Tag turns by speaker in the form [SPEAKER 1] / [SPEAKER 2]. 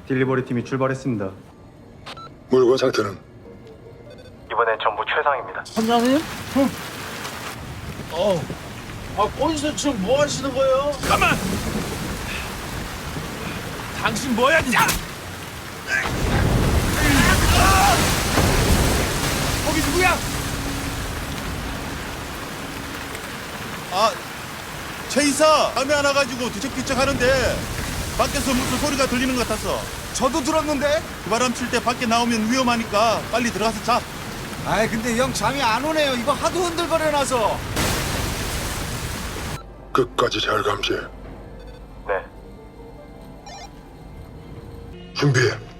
[SPEAKER 1] 딜리버리 팀이 출발했습니다.
[SPEAKER 2] 물건 상태는?
[SPEAKER 1] 이번엔 전부 최상입니다.
[SPEAKER 3] 선장님? 거기서 지금 뭐 하시는 거예요?
[SPEAKER 4] 가만! 당신 뭐야? 야! 거기 누구야?
[SPEAKER 5] 최 이사 밤에 하나 가지고 뒤척뒤척 하는데 밖에서 무슨 소리가 들리는 것 같았어.
[SPEAKER 6] 저도 들었는데.
[SPEAKER 5] 그 바람 칠 때 밖에 나오면 위험하니까 빨리 들어가서 자.
[SPEAKER 6] 아이 근데 형 잠이 안 오네요. 이거 하도 흔들거려놔서.
[SPEAKER 2] 끝까지 잘 감시해.
[SPEAKER 1] 네.
[SPEAKER 2] 준비해.